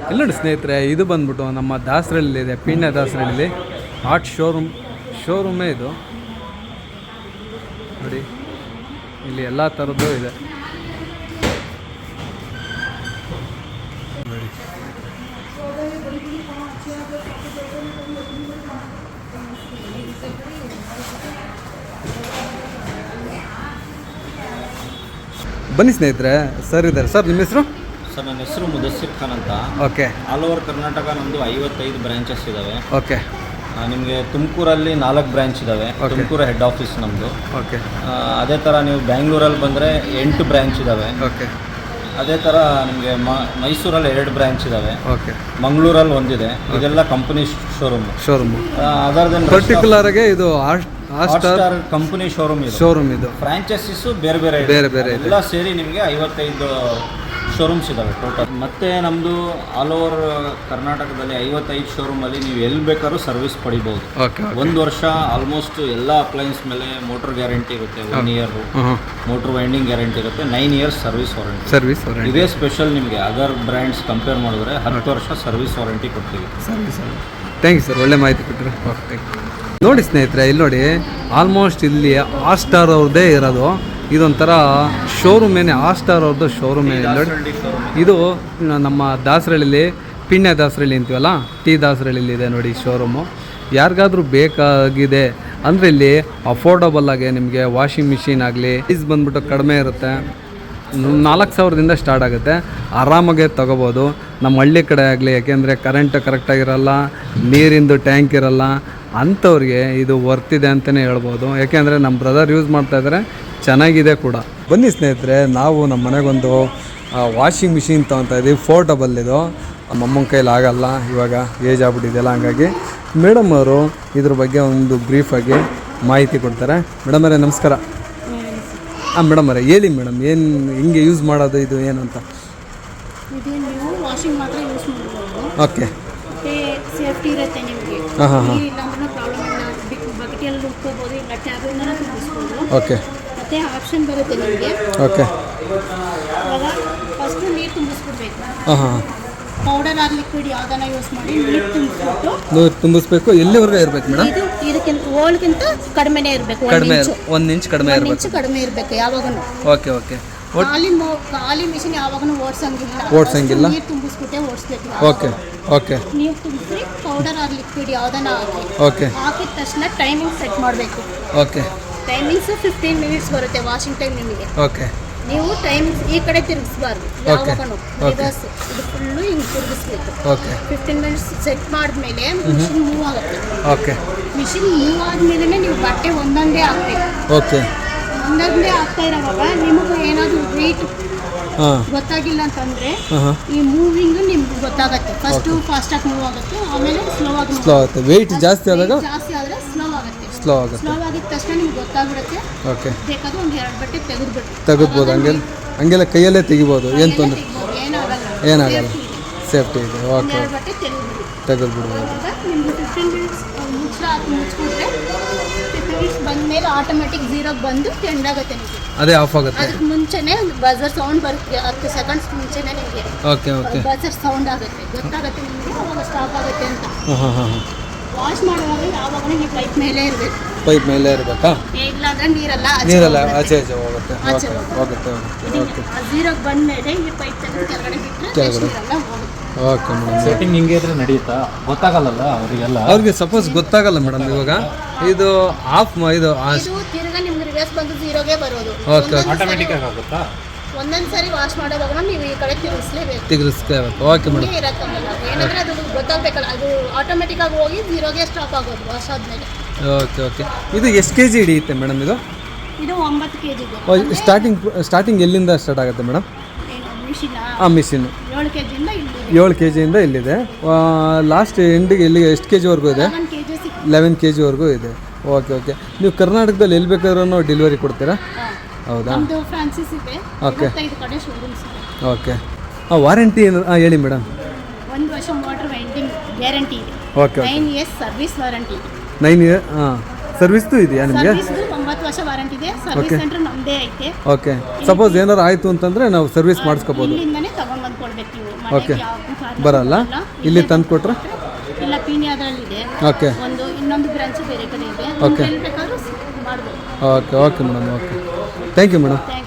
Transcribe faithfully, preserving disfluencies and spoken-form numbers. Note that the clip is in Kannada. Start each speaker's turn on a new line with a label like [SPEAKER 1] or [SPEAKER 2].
[SPEAKER 1] ಇಲ್ಲ ನೋಡಿ ಸ್ನೇಹಿತರೆ, ಇದು ಬಂದ್ಬಿಟ್ಟು ನಮ್ಮ ದಾಸರಳ್ಳಿಲಿದೆ, ಪೀಣ್ಯ ದಾಸರಳ್ಳಿ ಆರ್ಟ್ ಶೋರೂಮ್ ಶೋರೂಮೇ ಇದು ನೋಡಿ. ಇಲ್ಲಿ ಎಲ್ಲ ಥರದ್ದು ಇದೆ ನೋಡಿ. ಬನ್ನಿ ಸ್ನೇಹಿತರೆ, ಸರ್ ಇದ್ದಾರೆ. ಸರ್ ನಿಮ್ಮ ಹೆಸರು?
[SPEAKER 2] ಸರ್ ನನ್ನ ಹೆಸರು ಮುದಸ್ಸಿರ್ ಖಾನ್ ಅಂತ.
[SPEAKER 1] ಓಕೆ.
[SPEAKER 2] ಆಲ್ ಓವರ್ ಕರ್ನಾಟಕ ನಮ್ಮದು ಐವತ್ತೈದು ಬ್ರಾಂಚಸ್ ಇದ್ದಾವೆ.
[SPEAKER 1] ಓಕೆ.
[SPEAKER 2] ನಿಮಗೆ ತುಮಕೂರಲ್ಲಿ ನಾಲ್ಕು ಬ್ರಾಂಚ್ ಇದ್ದಾವೆ. ತುಮಕೂರು ಹೆಡ್ ಆಫೀಸ್ ನಮ್ಮದು.
[SPEAKER 1] ಓಕೆ.
[SPEAKER 2] ಅದೇ ಥರ ನೀವು ಬ್ಯಾಂಗ್ಳೂರಲ್ಲಿ ಬಂದರೆ ಎಂಟು ಬ್ರಾಂಚ್ ಇದ್ದಾವೆ.
[SPEAKER 1] ಓಕೆ.
[SPEAKER 2] ಅದೇ ಥರ ನಿಮಗೆ ಮೈಸೂರಲ್ಲಿ ಎರಡು ಬ್ರಾಂಚ್ ಇದ್ದಾವೆ.
[SPEAKER 1] ಓಕೆ.
[SPEAKER 2] ಮಂಗಳೂರಲ್ಲಿ ಒಂದಿದೆ. ಇದೆಲ್ಲ company showroom
[SPEAKER 1] showroom
[SPEAKER 2] other than
[SPEAKER 1] particular ಆಗಿ ಇದು
[SPEAKER 2] ಹಾಟ್ಸ್ಟಾರ್ ಕಂಪನಿ ಶೋರೂಮ್ ಇದು.
[SPEAKER 1] ಶೋರೂಮ್ ಇದು
[SPEAKER 2] ಫ್ರಾಂಚೈಸಿಸು ಬೇರೆ ಬೇರೆ
[SPEAKER 1] ಬೇರೆ ಬೇರೆ
[SPEAKER 2] ಎಲ್ಲ ಸೇರಿ ನಿಮಗೆ ಐವತ್ತೈದು ಶೋರೂಮ್ಸ್ ಇದ್ದಾವೆ ಟೋಟಲ್. ಮತ್ತು ನಮ್ಮದು ಆಲ್ ಓವರ್ ಕರ್ನಾಟಕದಲ್ಲಿ ಐವತ್ತೈದು ಶೋರೂಮಲ್ಲಿ ನೀವು ಎಲ್ಲಿ ಬೇಕಾದ್ರೂ ಸರ್ವಿಸ್ ಪಡಿಬೋದು. ಒಂದು ವರ್ಷ ಆಲ್ಮೋಸ್ಟ್ ಎಲ್ಲ ಅಪ್ಲಯನ್ಸ್ ಮೇಲೆ ಮೋಟರ್ ಗ್ಯಾರಂಟಿ ಇರುತ್ತೆ. One year motor winding guarantee ಇರುತ್ತೆ. Nine years service warranty.
[SPEAKER 1] Service warranty
[SPEAKER 2] ಇದೇ ಸ್ಪೆಷಲ್. ನಿಮಗೆ ಅದರ್ ಬ್ರ್ಯಾಂಡ್ಸ್ ಕಂಪೇರ್ ಮಾಡಿದ್ರೆ ಹತ್ತು ವರ್ಷ ಸರ್ವಿಸ್ ವಾರಂಟಿ ಕೊಡ್ತೀವಿ.
[SPEAKER 1] ಸರ್ವಿಸ್. ಥ್ಯಾಂಕ್ ಯು ಸರ್, ಒಳ್ಳೆ ಮಾಹಿತಿ ಕೊಟ್ಟರೆ. ಓಕೆ. ನೋಡಿ ಸ್ನೇಹಿತರೆ, ಇಲ್ಲಿ ನೋಡಿ ಆಲ್ಮೋಸ್ಟ್ ಇಲ್ಲಿ ಹಾಟ್ಸ್ಟಾರ್ ಅವ್ರದ್ದೇ ಇರೋದು. ಇದೊಂಥರ ಶೋರೂಮ್ ಏನೇ, ಹಾಟ್ಸ್ಟಾರ್ ಅವ್ರದ್ದು ಶೋರೂಮ್ ಏನೇ ನೋಡಿ. ಇದು ನಮ್ಮ ದಾಸರಳ್ಳಿಲಿ ಪೀಣ್ಯ ದಾಸರಳ್ಳಿ ಅಂತೀವಲ್ಲ, ಟಿ ದಾಸರಳ್ಳಿಲಿ ಇದೆ ನೋಡಿ ಶೋರೂಮು. ಯಾರಿಗಾದ್ರೂ ಬೇಕಾಗಿದೆ ಅಂದರೆ ಇಲ್ಲಿ ಅಫೋರ್ಡಬಲ್ ಆಗಿ ನಿಮಗೆ ವಾಷಿಂಗ್ ಮಿಷಿನ್ ಆಗಲಿ ಪ್ರೈಸ್ ಬಂದ್ಬಿಟ್ಟು ಕಡಿಮೆ ಇರುತ್ತೆ. ನಾಲ್ಕು ಸಾವಿರದಿಂದ ಸ್ಟಾರ್ಟ್ ಆಗುತ್ತೆ. ಆರಾಮಾಗೆ ತೊಗೋಬೋದು. ನಮ್ಮ ಹಳ್ಳಿ ಕಡೆ ಆಗಲಿ, ಯಾಕೆಂದರೆ ಕರೆಂಟ್ ಕರೆಕ್ಟಾಗಿರಲ್ಲ, ನೀರಿಂದು ಟ್ಯಾಂಕ್ ಇರಲ್ಲ, ಅಂಥವ್ರಿಗೆ ಇದು ವರ್ತಿದೆ ಅಂತಲೇ ಹೇಳ್ಬೋದು. ಯಾಕೆಂದರೆ ನಮ್ಮ ಬ್ರದರ್ ಯೂಸ್ ಮಾಡ್ತಾಯಿದ್ದಾರೆ, ಚೆನ್ನಾಗಿದೆ ಕೂಡ. ಬನ್ನಿ ಸ್ನೇಹಿತರೆ, ನಾವು ನಮ್ಮ ಮನೆಗೊಂದು ವಾಷಿಂಗ್ ಮಿಷಿನ್ ತೊಗೊತಾ ಇದ್ದೀವಿ. ಫೋರ್ಟಬಲ್ ಇದು. ನಮ್ಮಮ್ಮನ ಕೈಲಿ ಆಗಲ್ಲ, ಇವಾಗ ಏಜ್ ಆಗ್ಬಿಟ್ಟಿದೆಯಲ್ಲ, ಹಂಗಾಗಿ ಮೇಡಮ್ ಅವರು ಇದ್ರ ಬಗ್ಗೆ ಒಂದು ಬ್ರೀಫಾಗಿ ಮಾಹಿತಿ ಕೊಡ್ತಾರೆ. ಮೇಡಮ್ ಅವರೇ ನಮಸ್ಕಾರ. ಹಾಂ ಮೇಡಮ್ ಅವರೇ ಹೇಳಿ ಮೇಡಮ್, ಏನು ಹಿಂಗೆ ಯೂಸ್ ಮಾಡೋದು, ಇದು ಏನು ಅಂತ?
[SPEAKER 3] ವಾಷಿಂಗ್ ಮಾತ್ರ ಯೂಸ್ ಮಾಡ್ಬೋದು.
[SPEAKER 1] ಓಕೆ.
[SPEAKER 3] ಸೇಫ್ಟಿ ಇರುತ್ತೆ ನಿಮಗೆ.
[SPEAKER 1] ಹಾಂ ಹಾಂ ಹಾಂ.
[SPEAKER 3] ಇಲ್ಲ ಅಂದ್ರೆ ಪ್ರಾಬ್ಲಮ್ ಇಲ್ಲ. ಬಕೆಟಲ್ಲಿ ಉಟ್ಕೋಬೋದು, ಇಲ್ಲ ಟ್ಯಾಬ್ನ ತುಂಬಿಸ್ಬೋದು.
[SPEAKER 1] ಓಕೆ.
[SPEAKER 3] ಮತ್ತೆ ಆಪ್ಷನ್ ಬರುತ್ತೆ ನಿಮಗೆ.
[SPEAKER 1] ಓಕೆ.
[SPEAKER 3] ಇವಾಗ ಫಸ್ಟು ನೀರು ತುಂಬಿಸ್ಬಿಡ್ಬೇಕು.
[SPEAKER 1] ಹಾಂ ಹಾಂ.
[SPEAKER 3] ಪೌಡರ್ ಆರ್ ಲಿಕ್ವಿಡ್ ಯಾವುದನ್ನ ಯೂಸ್ ಮಾಡಿ ನೀರು ತುಂಬಿಸ್ಬಿಟ್ಟು
[SPEAKER 1] ನೀರು ತುಂಬಿಸ್ಬೇಕು. ಎಲ್ಲಿವರೆಗೂ ಇರಬೇಕು ಮೇಡಮ್?
[SPEAKER 3] ಇದು ಇದಕ್ಕಿಂತ ಓಲ್ಗಿಂತ ಕಡಿಮೆನೇ ಇರಬೇಕು.
[SPEAKER 1] ಕಡಿಮೆ ಒಂದು ಇಂಚ್ ಕಡಿಮೆ ಇರಬೇಕು.
[SPEAKER 3] ಇಂಚು ಕಡಿಮೆ ಇರಬೇಕು ಯಾವಾಗೂ.
[SPEAKER 1] Okay okay.
[SPEAKER 3] ಖಾಲಿ ಮೋ ಖಾಲಿ ಮಿಷಿನ್ ಯಾವಾಗೂ ಓಡಿಸಂಗಿಲ್ಲ.
[SPEAKER 1] ಓಡಿಸಂಗಿಲ್ಲ.
[SPEAKER 3] ನೀರು ತುಂಬಿಸ್ಬಿಟ್ಟೆ ಓಡಿಸ್ಬೇಕು.
[SPEAKER 1] Okay okay.
[SPEAKER 3] ನೀರು ತುಂಬಿಸಿ ಪೌಡರ್ ಆರ್ ಲಿಕ್ವಿಡ್ ಯಾವುದನ್ನ ಹಾಕಿ
[SPEAKER 1] ಓಕೆ.
[SPEAKER 3] ಹಾಕಿದ ತಕ್ಷಣ ಟೈಮಿಂಗ್ ಸೆಟ್ ಮಾಡಬೇಕು.
[SPEAKER 1] ಓಕೆ.
[SPEAKER 3] ಟೈಮಿಂಗ್ಸು ಫಿಫ್ಟೀನ್ ಮಿನಿಟ್ಸ್ ಬರುತ್ತೆ ವಾಷಿಂಗ್ ಟೈಮ್ ನಿಮಗೆ.
[SPEAKER 1] ಓಕೆ.
[SPEAKER 3] ನೀವು ಟೈಮಿಂಗ್ಸ್ ಈ ಕಡೆ ತಿರುಗಿಸ್ಬಾರ್ದು. ಯಾವಾಗನು ರಿವರ್ಸ್ ಇದು ಫುಲ್ಲು ಹಿಂಗೆ ತಿರುಗಿಸ್ಬೇಕು.
[SPEAKER 1] ಓಕೆ.
[SPEAKER 3] ಫಿಫ್ಟೀನ್ ಮಿನಿಟ್ಸ್ ಸೆಟ್ ಮಾಡಿದ್ಮೇಲೆ ಮಿಷಿನ್ ಮೂವ್ ಆಗುತ್ತೆ.
[SPEAKER 1] ಓಕೆ.
[SPEAKER 3] ಮಿಷಿನ್ ಮೂವ್ ಆದ್ಮೇಲೆ ನೀವು ಬಟ್ಟೆ ಒಂದೊಂದೇ ಹಾಕ್ಬೇಕು.
[SPEAKER 1] ಓಕೆ.
[SPEAKER 3] ಒಂದೊಂದೇ ಆಗ್ತಾ ಇರೋವಾಗ ನಿಮಗೆ ಏನಾದರೂ ವೆಯ್ಟ್ ಗೊತ್ತಾಗಿಲ್ಲ ಅಂತಂದರೆ ಈ ಮೂವಿಂಗು ನಿಮ್ಗೆ ಗೊತ್ತಾಗುತ್ತೆ. ಫಸ್ಟು ಫಾಸ್ಟಾಗಿ ಮೂವ್ ಆಗುತ್ತೆ, ಆಮೇಲೆ ಸ್ಲೋ ಆಗಿ
[SPEAKER 1] ಸ್ಲೋ ಆಗುತ್ತೆ. ವೆಯ್ಟ್ ಜಾಸ್ತಿ ಆದಾಗ
[SPEAKER 3] ಜಾಸ್ತಿ ಆದರೆ ಸ್ಲೋ ಆಗುತ್ತೆ.
[SPEAKER 1] ಸ್ಲೋ ಆಗುತ್ತೆ.
[SPEAKER 3] ಸ್ಲೋ ಆಗಿದ ತಕ್ಷಣ ನಿಮ್ಗೆ ಗೊತ್ತಾಗ್ಬಿಡುತ್ತೆ.
[SPEAKER 1] ಓಕೆ.
[SPEAKER 3] ಬೇಕಾದ್ರೆ ಒಂದು ಎರಡು ಬಟ್ಟೆ ತೆಗೆದ್ಬಿಟ್ಟು
[SPEAKER 1] ತೆಗೆದ್ಬೋದು. ಹಂಗೆಲ್ಲ ಹಂಗೆಲ್ಲ ಕೈಯಲ್ಲೇ ತೆಗಿಬೋದು, ಏನು ತೊಂದರೆ
[SPEAKER 3] ಏನಾಗಲ್ಲ.
[SPEAKER 1] ಏನಾಗಲ್ಲ, ಸೇಫ್ಟಿ ಇದೆ. ಓಕೆ.
[SPEAKER 3] ಎರಡು ಬಟ್ಟೆ ತೆಗೆದ್ಬಿಡಿ.
[SPEAKER 1] ತೆಗೆದ್ಬಿಡ್ಬೋದು.
[SPEAKER 3] ನಿಮ್ಗೆ ಫಿಫ್ಟೀನ್ ಮಿನಿಟ್ಸ್ ಮುಚ್ಚ ಮುಚ್ಚಿಬಿಟ್ರೆ ಫಿಫ್ಟೀನ್ ಮಿನಿಟ್ಸ್ ಬಂದಮೇಲೆ ಆಟೋಮೆಟಿಕ್ ಝೀರೋಗೆ ಬಂದು ಎಂಡ್ ಆಗುತ್ತೆ ನಿಮಗೆ.
[SPEAKER 1] ಅದೇ ಆಫ್ ಆಗುತ್ತೆ.
[SPEAKER 3] ಅದಕ್ಕೆ ಮುಂಚೆನೇ ಬಜರ್ ಸೌಂಡ್ ಬರುತ್ತೆ. ಹತ್ತು ಸೆಕೆಂಡ್ಸ್ ಮುಂಚೆನೇ ನಿಮಗೆ
[SPEAKER 1] ಓಕೆ ಓಕೆ
[SPEAKER 3] ಬಜರ್ ಸೌಂಡ್ ಆಗುತ್ತೆ, ಗೊತ್ತಾಗುತ್ತೆ ನಿಮಗೆ ಅವಾಗ ಸ್ಟಾಪ್ ಆಗುತ್ತೆ ಅಂತ.
[SPEAKER 1] ಹಾಂ ಹಾಂ ಹಾಂ.
[SPEAKER 3] ವಾಶ್ ಮಾಡುವಾಗ ಯಾವಾಗಲೂ ನೀವು ಪೈಪ್ ಮೇಲೆ ಇರಬೇಕು.
[SPEAKER 1] ಪೈಪ್ ಮೇಲೆ ಇರಬೇಕಾ?
[SPEAKER 3] ಇಲ್ಲ ಅಂದ್ರೆ ನೀರೆಲ್ಲ
[SPEAKER 1] ನೀರೆಲ್ಲ ಆಚೆ ಆಚೆ ಹೋಗುತ್ತೆ.
[SPEAKER 3] ಆಚೆ
[SPEAKER 1] ಹೋಗುತ್ತೆ ಹೋಗುತ್ತೆ. ಓಕೆ.
[SPEAKER 3] ಝೀರೋಗೆ ಬಂದಮೇಲೆ ಈ ಪೈಪ್ ತೆಗೆದು ಕೆಳಗಡೆ ಬಿಟ್ಟರೆ
[SPEAKER 1] ಕೆಳಗಡೆ
[SPEAKER 3] ನೀರೆಲ್ಲ ಹೋಗುತ್ತೆ.
[SPEAKER 1] Okay madam.
[SPEAKER 2] ಸೆಟ್ಟಿಂಗ್ ಹಿಂಗೆ ಇದ್ರೆ ನಡೆಯುತ್ತಾ? ಗೊತ್ತಾಗಲ್ಲ ಅವರಿಗೆಲ್ಲ.
[SPEAKER 1] ಅವ್ರಿಗೆ ಸಪೋಸ್ ಗೊತ್ತಾಗಲ್ಲ ಮೇಡಮ್. ಇವಾಗ ಇದು ಆಫ್ ಇದು
[SPEAKER 3] ಇದು ತಿರ್ಗಾ ನಿಮ್ಗೆ ರಿವರ್ಸ್ ಬಂದು ಝೀರೋಗೆ ಬರೋದು.
[SPEAKER 1] ಓಕೆ.
[SPEAKER 2] ಆಟೋಮೆಟಿಕ್ ಆಗಿ ಆಗುತ್ತಾ?
[SPEAKER 3] ಒಂದೊಂದು ಸರಿ ವಾಶ್ ಮಾಡೋವಾಗ ನೀವು ಈ ಕಡೆ ತಿರುಗಿಸ್ಲೇಬೇಕು.
[SPEAKER 1] ತಿರುಗಿಸ್ಲೇಬೇಕು. Okay madam.
[SPEAKER 3] ಇರತ್ತಲ್ಲ ಏನಂದ್ರೆ ಅದು ಗೊತ್ತಾಗಬೇಕಲ್ಲ. ಅದು ಆಟೋಮೆಟಿಕ್ ಆಗಿ ಹೋಗಿ ಝೀರೋಗೆ ಸ್ಟಾಪ್ ಆಗೋದು ವಾಶ್ ಆದಮೇಲೆ.
[SPEAKER 1] Okay okay. ಇದು ಎಷ್ಟು ಕೆ ಜಿ ಹಿಡಿಯುತ್ತೆ ಮೇಡಮ್ ಇದು?
[SPEAKER 3] ಇದು ಒಂಬತ್ತು ಕೆ ಜಿದು.
[SPEAKER 1] ಸ್ಟಾರ್ಟಿಂಗ್ ಸ್ಟಾರ್ಟಿಂಗ್ ಎಲ್ಲಿಂದ ಸ್ಟಾರ್ಟ್ ಆಗುತ್ತೆ ಮೇಡಮ್?
[SPEAKER 3] ಮಿಷಿನ್
[SPEAKER 1] ಹಾಂ ಮಿಷಿನ್ನು
[SPEAKER 3] ಏಳು ಕೆ ಜಿಯಿಂದ ಇಲ್ಲಿ
[SPEAKER 1] ಏಳು ಕೆ ಜಿಯಿಂದ ಇಲ್ಲಿದೆ. ಲಾಸ್ಟ್ ಎಂಡಿಗೆ ಎಲ್ಲಿಗೆ ಎಷ್ಟು ಕೆ ಜಿವರೆಗೂ ಇದೆ?
[SPEAKER 3] ಕೆ ಜಿ
[SPEAKER 1] ಲೆವೆನ್ ಕೆ ಜಿವರೆಗೂ ಇದೆ. Okay okay. ನೀವು ಕರ್ನಾಟಕದಲ್ಲಿ ಎಲ್ಲಿ ಬೇಕಾದ್ರೂ ಡೆಲಿವರಿ ಕೊಡ್ತೀರಾ? ಹೌದಾ?
[SPEAKER 3] ನಮ್ಮದು ಫ್ರಾನ್ಸಿಸ್ ಇದೆ.
[SPEAKER 1] ಓಕೆ.
[SPEAKER 3] ಐದು ಕಡೆ ಶೋರೂಮ್ಸ್ ಇದೆ.
[SPEAKER 1] ಓಕೆ. ಹಾಂ ವಾರಂಟಿ ಏನು? ಹಾಂ ಹೇಳಿ ಮೇಡಮ್.
[SPEAKER 3] ಒಂದು ವರ್ಷ ಮೋಟರ್ ವೈಂಡಿಂಗ್ ಗ್ಯಾರಂಟಿ ಇದೆ.
[SPEAKER 1] Okay.
[SPEAKER 3] Nine years service warranty ಇದೆ.
[SPEAKER 1] ನೈನ್ ಇಯರ್ ಹಾಂ ಸರ್ವಿಸ್ದು ಇದೆಯಾ ನಿಮಗೆ?
[SPEAKER 3] ಸರ್ವಿಸ್ದು ಒಂಬತ್ತು ಇಪ್ಪತ್ತು ವರ್ಷ ವಾರಂಟಿ ಇದೆ. ಸರ್ವಿಸ್ ಸೆಂಟರ್ ನಮ್ಮದೇ ಐತೆ.
[SPEAKER 1] ಓಕೆ, ಸಪೋಸ್ ಏನಾರು ಆಯಿತು ಅಂತಂದರೆ ನಾವು ಸರ್ವಿಸ್ ಮಾಡಿಸ್ಕೋಬೋದು.
[SPEAKER 3] ಇಲ್ಲಿಂದನೇ ತಗೊಂಡ್ಬಂದು ಕೊಡ್ಬೇಕು ನೀವು.
[SPEAKER 1] ಓಕೆ,
[SPEAKER 3] ಮನೆಗೆ ಯಾವ ಕಾರಣ
[SPEAKER 1] ಬರಲ್ಲ, ಇಲ್ಲಿ ತಂದು ಕೊಟ್ರೆ?
[SPEAKER 3] ಇಲ್ಲ, ಪೀಣ್ಯದಲ್ಲಿದೆ
[SPEAKER 1] ಓಕೆ,
[SPEAKER 3] ಒಂದು, ಇನ್ನೊಂದು ಬ್ರಾಂಚ್ ಬೇರೆ ಕಡೆ ಇದೆ.
[SPEAKER 1] ಓಕೆ
[SPEAKER 3] ಎಲ್ಲಿ ಬೇಕಾದ್ರೂ ಮಾಡ್ಬೋದು.
[SPEAKER 1] Okay okay madam, okay, thank you madam.
[SPEAKER 3] Thank you.